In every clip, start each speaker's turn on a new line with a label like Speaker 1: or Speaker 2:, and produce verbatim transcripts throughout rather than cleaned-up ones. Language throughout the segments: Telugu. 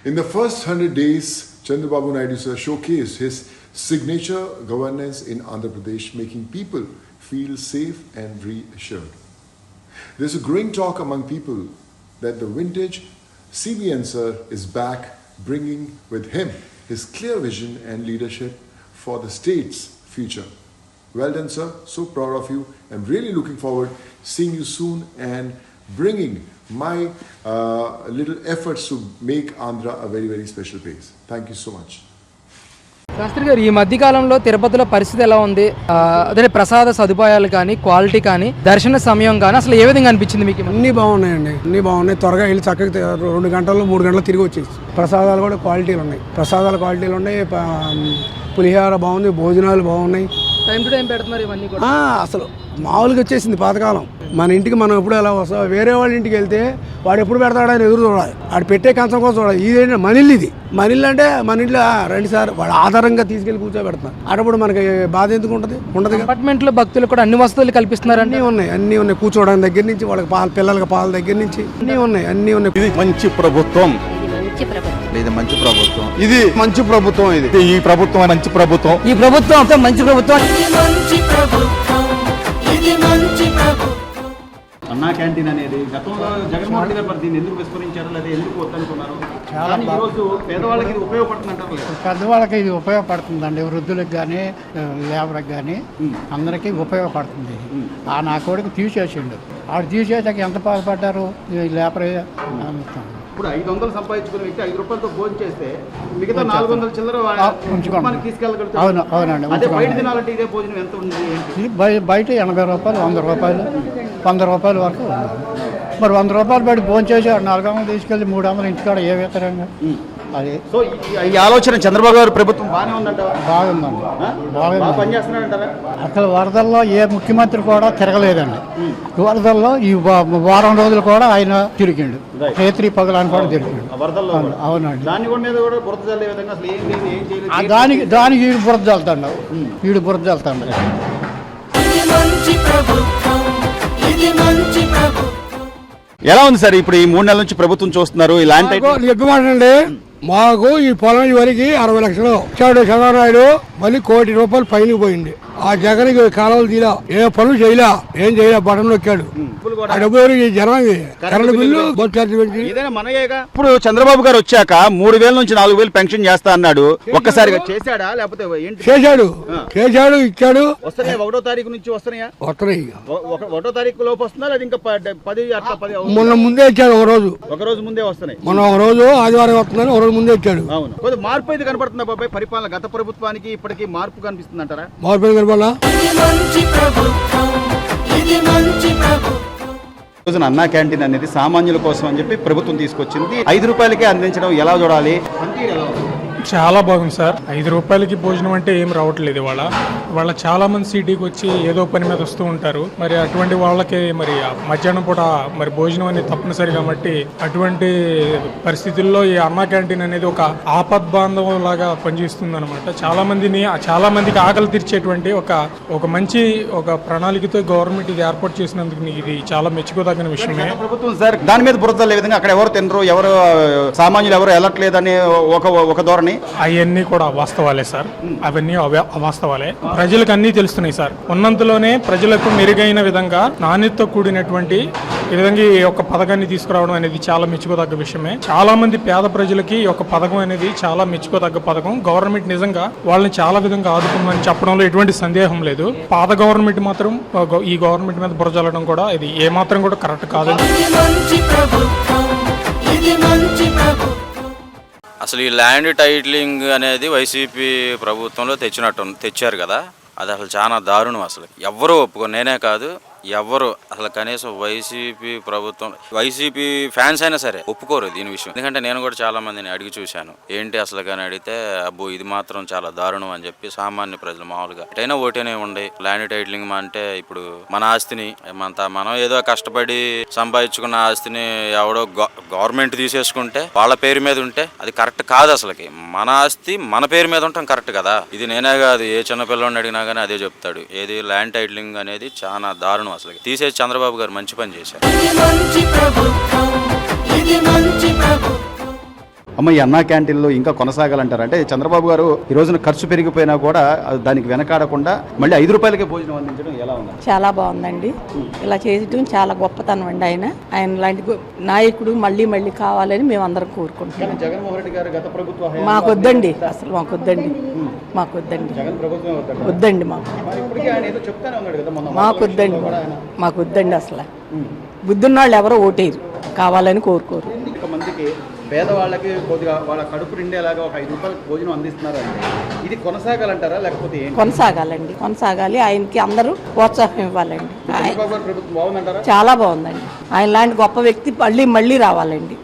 Speaker 1: In the first one hundred days, Chandrababu Naidu sir showcased his signature governance in Andhra Pradesh, making people feel safe and reassured. There's a growing talk among people that the vintage C B N sir is back, bringing with him his clear vision and leadership for the state's future. Well done, sir. So proud of you. I'm really looking forward seeing you soon and bringing my uh, little efforts to make Andhra a very, very special place. Thank you so much.
Speaker 2: Sastry గారు, ఈ మధ్యకాలంలో తిరుపతిలో పరిస్థితి ఎలా ఉంది? అదే ప్రసాద సదుపాయాలు కానీ, క్వాలిటీ కానీ, దర్శన సమయం కానీ అసలు ఏ విధంగా అనిపించింది మీకు?
Speaker 3: అన్నీ బాగున్నాయండి, అన్నీ బాగున్నాయి. త్వరగా వెళ్ళి చక్కగా రెండు గంటల్లో మూడు గంటలు తిరిగి వచ్చేసి. ప్రసాదాలు కూడా క్వాలిటీలు ఉన్నాయి, ప్రసాదాల క్వాలిటీలు ఉన్నాయి. పులిహార బాగుంది, భోజనాలు బాగున్నాయి.
Speaker 2: టైం టు టైం పెడుతున్నారు ఇవన్నీ కూడా.
Speaker 3: అసలు మామూలుగా వచ్చేసింది పాతకాలం. మన ఇంటికి మనం ఎప్పుడు ఎలా వస్తాం, వేరే వాళ్ళ ఇంటికి వెళ్తే వాడు ఎప్పుడు పెడతాడని ఎదురు చూడాలి, వాడు పెట్టే కంచం కోసం చూడాలి. ఇదేంటి మన ఇల్లు, ఇది మన ఇల్లు అంటే మన ఇంట్లో రెండు సార్ వాడు ఆధారంగా తీసుకెళ్లి కూర్చోబెడతారు. అప్పుడు మనకి బాధ ఎందుకు ఉంటుంది? ఉండదు.
Speaker 2: అపార్ట్మెంట్లో భక్తులు కూడా అన్ని వసతులు కల్పిస్తున్నారు.
Speaker 3: అన్నీ ఉన్నాయి, అన్నీ ఉన్నాయి. కూర్చోవడానికి దగ్గర నుంచి వాళ్ళకి పాల పిల్లలకి పాల దగ్గర నుంచి అన్నీ ఉన్నాయి, అన్నీ ఉన్నాయి.
Speaker 4: ఇది మంచి ప్రభుత్వం, ఇది మంచి ప్రభుత్వం, ఇది మంచి ప్రభుత్వం, ఇది ఈ ప్రభుత్వం మంచి ప్రభుత్వం,
Speaker 2: ఈ ప్రభుత్వం మంచి ప్రభుత్వం.
Speaker 5: అన్నా క్యాంటీన్ అనేది గతంలో జగన్మోహన్ రెడ్డి గారు దీన్ని ఎందుకు విస్మరించారు, లేదా ఎందుకు వద్దనుకున్నారు? కానీ ఈరోజు పేదవాళ్ళకి ఇది ఉపయోగపడుతుంది అంటారు.
Speaker 6: పెద్దవాళ్ళకి ఇది ఉపయోగపడుతుందండి, వృద్ధులకు కానీ లేబర్కి కానీ అందరికీ ఉపయోగపడుతుంది. ఆ నా కొడుకు తీసేసిండు, ఆడు తీసేసాక ఎంత బాధపడ్డారు లేబర్.
Speaker 5: ఇప్పుడు ఐదు వందలు సంపాదించుకునే వ్యక్తి ఐదు రూపాయలతో భోజనం చేస్తే మిగతా నాలుగు వందల చిల్లర తీసుకెళ్ళగలుగుతారు.
Speaker 6: అవును అవునండి.
Speaker 5: అదే బయట తినాలంటే ఇదే భోజనం ఎంత ఉంది?
Speaker 6: బయట ఎనభై రూపాయలు, వంద రూపాయలు, వంద రూపాయల వరకు ఉంది. మరి వంద రూపాయలు బయట భోజనం చేసి నాలుగు వందలు తీసుకెళ్ళి మూడు వందలు ఇంటికాడ ఏ విధంగా అది.
Speaker 5: సో ఈ ఆలోచన చంద్రబాబు గారు ప్రభుత్వం బాగానే ఉందంట.
Speaker 6: బాగుందండి,
Speaker 5: బాగా పనిచేస్తున్నారంటారా?
Speaker 6: అసలు వరదల్లో ఏ ముఖ్యమంత్రి కూడా తిరగలేదండి. వరదల్లో ఈ వారం రోజులు కూడా ఆయన తిరిగిండు, రేత్రి పగలాన్ని కూడా తిరిగిండు. అవునండి. దానికి దానికి వీడు బురద చల్తాడు, వీడు బురద చల్తాడు.
Speaker 5: ఎలా ఉంది సార్ ఇప్పుడు ఈ మూడు నెలల నుంచి ప్రభుత్వం చూస్తున్నారు ఇలాంటి?
Speaker 3: చెప్పమండి, మాకు ఈ పొలం వరకు అరవై లక్షలు ఇచ్చాడు చంద్రబాబు. మళ్ళీ కోటి రూపాయలు పైన పోయింది. ఆ జగన్ కాలువలు తీలా, ఏ పనులు చేయలే, ఏం చేయలే, బటన్ నొక్కాడు. జనానికి కరెంట్ బిల్లు
Speaker 5: ఇప్పుడు చంద్రబాబు గారు వచ్చాక మూడు వేల నుంచి నాలుగు వేలు పెన్షన్ చేస్తా అన్నాడు. ఒక్కసారిగా చేశాడా లేకపోతే
Speaker 3: చేశాడు? చేశాడు, ఇచ్చాడు.
Speaker 5: వస్తున్నాయి ఒకటో తారీఖు నుంచి వస్తున్నాయా?
Speaker 3: వస్తున్నాయి.
Speaker 5: ఒకటో తారీఖు లోపు వస్తున్నా లేదా ఇంకా పది అట్లా పది?
Speaker 3: మొన్న ముందే ఇచ్చాడు, ఒక రోజు
Speaker 5: ఒక రోజు ముందే వస్తున్నాయి.
Speaker 3: మొన్న ఒక రోజు ఆదివారం వస్తుందని ఒక రోజు ముందే ఇచ్చాడు.
Speaker 5: అవును, కొద్దిగా మార్పు అయితే కనపడుతుంది బాబాయ్. పరిపాలన గత ప్రభుత్వానికి ఇప్పటికీ మార్పు కనిపిస్తుంది అంటారా?
Speaker 3: మార్పు కనపడాలా?
Speaker 5: రోజున అన్నా క్యాంటీన్ అనేది సామాన్యుల కోసం అని చెప్పి ప్రభుత్వం తీసుకొచ్చింది. ఐదు రూపాయలకే అందించడం ఎలా చూడాలి?
Speaker 7: చాలా బాగుంది సార్. ఐదు రూపాయలకి భోజనం అంటే ఏం రావట్లేదు ఇవాళ. వాళ్ళ చాలా మంది సిటీకి వచ్చి ఏదో పని మీద వస్తూ ఉంటారు. మరి అటువంటి వాళ్ళకి మరి మధ్యాహ్నం పూట మరి భోజనం అనేది తప్పనిసరి కాబట్టి అటువంటి పరిస్థితుల్లో ఈ అన్నా క్యాంటీన్ అనేది ఒక ఆపద్బాంధవం లాగా పనిచేస్తుంది అనమాట. చాలా మందిని చాలా మందికి ఆకలి తీర్చేటువంటి ఒక ఒక మంచి ఒక ప్రణాళికతో గవర్నమెంట్ ఇది ఏర్పాటు చేసినందుకు ఇది చాలా మెచ్చుకోదగిన విషయమే.
Speaker 5: ప్రభుత్వం సార్ దాని మీద బురదలే విధంగా అక్కడ ఎవరు తినరు, ఎవరు సామాన్యులు ఎవరు వెళ్ళట్లేదని ఒక ఒక ధోరణి.
Speaker 7: అవన్నీ కూడా వాస్తవాలే సార్, అవన్నీ అవాస్తవాలే. ప్రజలకు అన్నీ తెలుస్తున్నాయి సార్. ఉన్నంతలోనే ప్రజలకు మెరుగైన విధంగా నాణ్యతతో కూడినటువంటి ఈ విధంగా ఈ యొక్క పథకాన్ని తీసుకురావడం అనేది చాలా మెచ్చుకోదగ్గ విషయమే. చాలా మంది పేద ప్రజలకి ఈ యొక్క పథకం అనేది చాలా మెచ్చుకోదగ్గ పథకం. గవర్నమెంట్ నిజంగా వాళ్ళని చాలా విధంగా ఆదుకుందని చెప్పడంలో ఎటువంటి సందేహం లేదు. పాత గవర్నమెంట్ మాత్రం ఈ గవర్నమెంట్ మీద బురజల్లడం కూడా ఇది ఏమాత్రం కూడా కరెక్ట్ కాదు.
Speaker 8: అసలు ఈ ల్యాండ్ టైటిలింగ్ అనేది వైసీపీ ప్రభుత్వంలో తెచ్చినట్టు తెచ్చారు కదా, అది అసలు చాలా దారుణం. అసలు ఎవ్వరూ ఒప్పుకో, నేనే కాదు ఎవరు అసలు కనీసం వైసీపీ ప్రభుత్వం వైసీపీ ఫ్యాన్స్ అయినా సరే ఒప్పుకోరు దీని విషయం. ఎందుకంటే నేను కూడా చాలా మందిని అడిగి చూశాను, ఏంటి అసలు కానీ అడిగితే అబ్బో ఇది మాత్రం చాలా దారుణం అని చెప్పి సామాన్య ప్రజలు మామూలుగా ఎటైనా ఓటేనే ఉండే ల్యాండ్ టైటిలింగ్ అంటే ఇప్పుడు మన ఆస్తిని మన మనం ఏదో కష్టపడి సంపాదించుకున్న ఆస్తిని ఎవడో గవర్నమెంట్ తీసేసుకుంటే వాళ్ళ పేరు మీద ఉంటే అది కరెక్ట్ కాదు. అసలుకి మన ఆస్తి మన పేరు మీద ఉంటాం కరెక్ట్ కదా. ఇది నేనే కాదు, ఏ చిన్నపిల్లని అడిగినా కానీ అదే చెప్తాడు. ఏది ల్యాండ్ టైటిలింగ్ అనేది చాలా దారుణం. అసలు తీసేసి చంద్రబాబు గారు మంచి పని చేశారు.
Speaker 5: అమ్మ, ఈ అన్నా క్యాంటీన్లో ఇంకా కొనసాగాలంటారు? అంటే చంద్రబాబు గారు ఈ రోజున ఖర్చు పెరిగిపోయినా కూడా దానికి వెనకాడకుండా మళ్ళీ ఐదు రూపాయలకే భోజనం అందించడం ఎలా ఉంది?
Speaker 9: చాలా బాగుందండి. ఇలా చేయడం చాలా గొప్పతనం అండి. ఆయన ఆయన లాంటి గొ- నాయకుడు మళ్ళీ మళ్ళీ కావాలని మేము అందరం కోరుకుంటున్నాం.
Speaker 5: జగన్మోహన్ రెడ్డి గారు గత ప్రభుత్వ
Speaker 9: మాకు వద్దండి, అసలు మాకు వద్దండి, మాకు వద్దండి,
Speaker 5: జగన్ ప్రభుత్వం వద్దండి.
Speaker 9: వద్దండి మాకు,
Speaker 5: మరి ఇప్పటికీ ఆయన ఏదో చెప్తానే ఉన్నాడు కదా మొన్న
Speaker 9: మాకు వద్దండి, మాకు వద్దండి. అసలు బుద్ధున్న వాళ్ళు ఎవరో ఓటేరు, కావాలని కోరుకోరు.
Speaker 5: మందికి పేదవాళ్ళకి కొద్దిగా వాళ్ళ కడుపు నిండేలాగా ఒక ఐదు రూపాయలకు భోజనం అందిస్తున్నారు అంటే ఇది కొనసాగాలంటారా లేకపోతే ఏంటి?
Speaker 9: కొనసాగాలండి, కొనసాగాలి. ఆయనకి అందరూ ప్రోత్సాహం ఇవ్వాలండి. ఆయన-
Speaker 5: చంద్రబాబు గారి ప్రభుత్వం బాగుందంటారా?
Speaker 9: చాలా బాగుందండి. ఆయన లాంటి గొప్ప వ్యక్తి మళ్ళీ మళ్ళీ రావాలండి.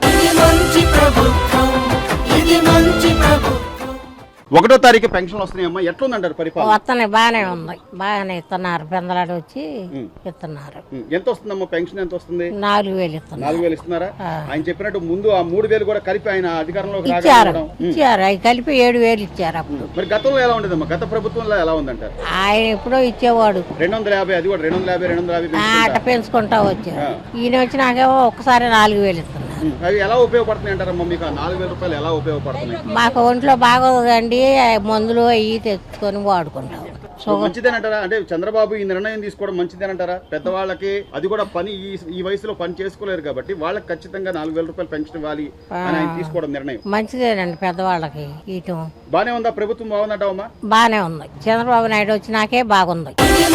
Speaker 5: ఒకటో తారీఖు పెన్షన్ వస్తున్నాయమ్మా, ఎట్లుందంటారు పరిపాలన?
Speaker 10: వస్తున్నాయి, బాగానే ఉంది, బాగానే ఇస్తున్నారు. పెందలాడు వచ్చి ఇస్తున్నారు.
Speaker 5: ఉం. ఎంత వస్తుందమ్మా పెన్షన్? ఎంత వస్తుంది?
Speaker 10: నాలుగు వేలు ఇస్తున్నారు.
Speaker 5: నాలుగు వేలు ఇస్తున్నారా? ఆయన చెప్పినట్టు ముందు ఆ మూడు వేలు కూడా కలిపి ఆయన అధికారంలోకి
Speaker 10: ఇచ్చారు
Speaker 5: రావడం.
Speaker 10: ఇచ్చారు అవి కలిపి ఏడు వేలు ఇచ్చారు అప్పుడు.
Speaker 5: మరి గతంలో ఎలా ఉండేదమ్మా? గత ప్రభుత్వంలో ఎలా ఉందంటారు?
Speaker 10: ఆయన ఎప్పుడో ఇచ్చేవాడు.
Speaker 5: రెండు వందల యాభై అది కూడా రెండు వందల యాభై రెండు వందల యాభై
Speaker 10: ఆ,
Speaker 5: పెంచుకుంటా.
Speaker 10: అట్ట పెంచుకుంటా వచ్చారు. ఈయన వచ్చినాకేమో ఒక్కసారి నాలుగు వేలు ఇస్తున్నారు.
Speaker 5: ఉం. అవి ఎలా ఉపయోగపడుతున్నాయి అంటారమ్మా మీకు? ఆ నాలుగు వేల రూపాయలు ఎలా ఉపయోగపడుతున్నాయి?
Speaker 10: మాకు ఒంట్లో బాగోదండి, మందులు అవి తెచ్చుకొని వాడుకుంటాం.
Speaker 5: సో మంచిదేనంటారా? అంటే చంద్రబాబు ఈ నిర్ణయం తీసుకోవడం మంచిదేనంటారా? పెద్దవాళ్ళకి అది కూడా పని ఈ ఈ వయసులో పని చేసుకోలేరు కాబట్టి వాళ్ళకి ఖచ్చితంగా నాలుగు వేల రూపాయలు పెన్షన్ ఇవ్వాలి అని ఆయన తీసుకోవడం నిర్ణయం
Speaker 10: మంచిదేనండి. పెద్దవాళ్ళకి ఇయటం
Speaker 5: బానే ఉందా? ప్రభుత్వం బాగుందంటావమ్మా?
Speaker 10: బాగానే ఉంది. చంద్రబాబు నాయుడు వచ్చినాకే బాగుంది.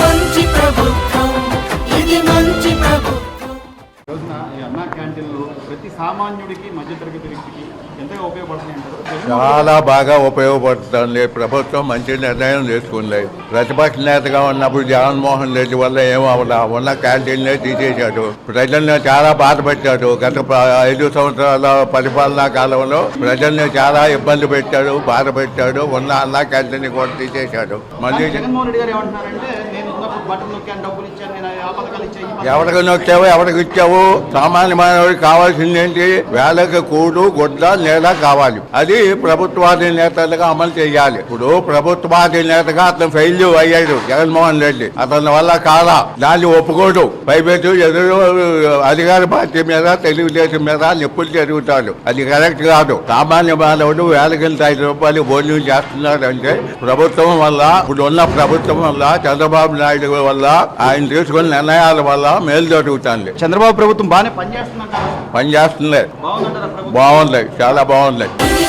Speaker 5: రోజున ఈ అన్నా క్యాంటీన్లు ప్రతి సామాన్యుడికి మధ్యతరగతి వ్యక్తికి ఎంతగా ఉపయోగపడుతున్నాయి అంటారు?
Speaker 4: చాలా బాగా ఉపయోగపడుతుంది. ప్రభుత్వం మంచి నిర్ణయం తీసుకుంది. ప్రతిపక్ష నేతగా ఉన్నప్పుడు జగన్మోహన్ రెడ్డి వల్ల ఏమవలా ఉన్న క్యాంటీన్లే తీసేశాడు. ప్రజల్ని చాలా బాధ పెట్టాడు. గత ప- ఐదు సంవత్సరాల పరిపాలనా కాలంలో ప్రజల్ని చాలా ఇబ్బంది పెట్టాడు, బాధ పెట్టాడు. ఉన్న అన్నా క్యాంటీన్ కూడా తీసేశాడు. మళ్ళీ
Speaker 5: జగన్మోహన్ రెడ్డి గారు ఏమంటున్నారంటే నేను ఉన్నప్పుడు బట్టలు నొక్కాను, డబ్బులు ఇచ్చాను, నేను ఆ పథకాలు ఇచ్చాను.
Speaker 4: ఎవరికి నొచ్చావు, ఎవరికి ఇచ్చావు? సామాన్య మానవుడికి కావాల్సింది ఏంటి? వేళకి కూడు, గుడ్డ, నేల కావాలి. అది ప్రభుత్వాధినేతలుగా అమలు చేయాలి. ఇప్పుడు ప్రభుత్వాధినేతగా అతను ఫెయిల్ అయ్యాడు జగన్మోహన్ రెడ్డి. అతని వల్ల కాలా, దాన్ని ఒప్పుకోడు. పైపెట్టు ఎదురు అధికార పార్టీ మీద, తెలుగుదేశం మీద నిప్పులు జరుగుతాడు. అది కరెక్ట్ కాదు. సామాన్య మానవుడు వేలకింత ఐదు రూపాయలు భోజనం చేస్తున్నాడు అంటే ప్రభుత్వం వల్ల, ఇప్పుడు ఉన్న ప్రభుత్వం వల్ల, చంద్రబాబు నాయుడు వల్ల, ఆయన తీసుకున్న నిర్ణయాల వల్ల మేలు జరుగుతుంది.
Speaker 5: చంద్రబాబు ప్రభుత్వం బాగానే పనిచేస్తుందంటారా?
Speaker 4: పనిచేస్తుంది,
Speaker 5: బాగుందంటారా ప్రభుత్వం?
Speaker 4: బాగుంది, చాలా బాగుంది.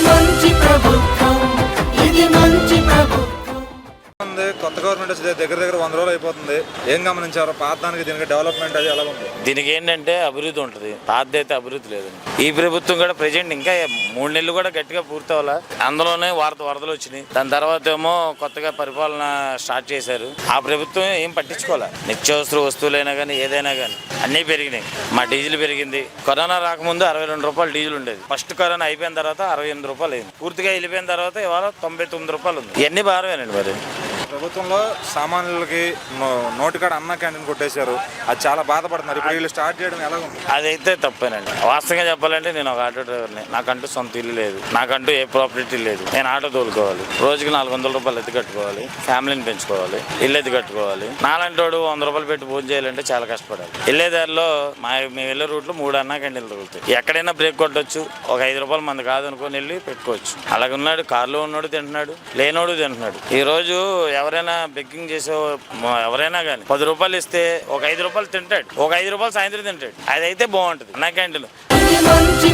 Speaker 11: కొత్త గవర్నమెంట్ వచ్చి దగ్గర దగ్గర వంద రోజులు అయిపోతుంది. ఏం గమనించారు? పాత దానికి దీనికి డెవలప్మెంట్ అది ఎలా ఉంది?
Speaker 8: దీనికి ఏంటంటే అభివృద్ధి ఉంటుంది, పాతది అయితే అభివృద్ధి లేదండి. ఈ ప్రభుత్వం కూడా ప్రజెంట్ ఇంకా మూడు నెలలు కూడా గట్టిగా పూర్తి అవ్వాలా. అందులోనే వరద వరదలు వచ్చినాయి. దాని తర్వాత ఏమో కొత్తగా పరిపాలన స్టార్ట్ చేశారు. ఆ ప్రభుత్వం ఏం పట్టించుకోవాలి. నిత్యావసర వస్తువులైనా కానీ ఏదైనా కానీ అన్నీ పెరిగినాయి. మా డీజిల్ పెరిగింది. కరోనా రాకముందు అరవై రెండు రూపాయలు డీజిల్ ఉండేది. ఫస్ట్ కరోనా అయిపోయిన తర్వాత అరవై ఎనిమిది రూపాయలు అయింది. పూర్తిగా వెళ్ళిపోయిన తర్వాత ఇవాళ తొంభై తొమ్మిది రూపాయలు ఉంది. ఇవన్నీ భారమేనండి. మరి
Speaker 11: ప్రభుత్వంలో సామాన్యులకి నోటికాడ అన్న క్యాంటీన్ కొట్టేశారు. అది చాలా బాధపడుతున్నారు. ఇప్పుడు వీళ్ళు స్టార్ట్ చేయడం ఎలా ఉంది?
Speaker 8: అదైతే తప్పేనండి. వాస్తవంగా చెప్పాలంటే నేను ఒక ఆటో డ్రైవర్ని. నాకంటూ సొంత ఇల్లు లేదు, నాకంటూ ఏ ప్రాపర్టీ లేదు. నేను ఆటో తోలుకోవాలి, రోజుకి నాలుగు వందల రూపాయలు ఎత్తి కట్టుకోవాలి, ఫ్యామిలీని పెంచుకోవాలి, ఇల్లు ఎత్తి కట్టుకోవాలి. నాలాంటి వాడు వంద రూపాయలు పెట్టి భోజనం చేయాలంటే చాలా కష్టపడాలి. వెళ్ళే దారిలో మా మేము వెళ్ళే రూట్లో మూడు అన్నా క్యాంటీన్లు తగులుతాయి. ఎక్కడైనా బ్రేక్ కొట్టొచ్చు. ఒక ఐదు రూపాయలు మంది కాదనుకొని వెళ్ళి పెట్టుకోవచ్చు. అలాగే ఉన్నాడు, కారులో ఉన్నాడు తింటున్నాడు, లేనోడు తింటున్నాడు. ఈ రోజు ఎవరైనా బెగ్గింగ్ చేసే ఎవరైనా కానీ పది రూపాయలు ఇస్తే ఒక ఐదు రూపాయలు తింటాడు, ఒక ఐదు రూపాయలు సాయంత్రం తింటాడు. అదైతే బాగుంటుంది అన్నా క్యాంటీన్.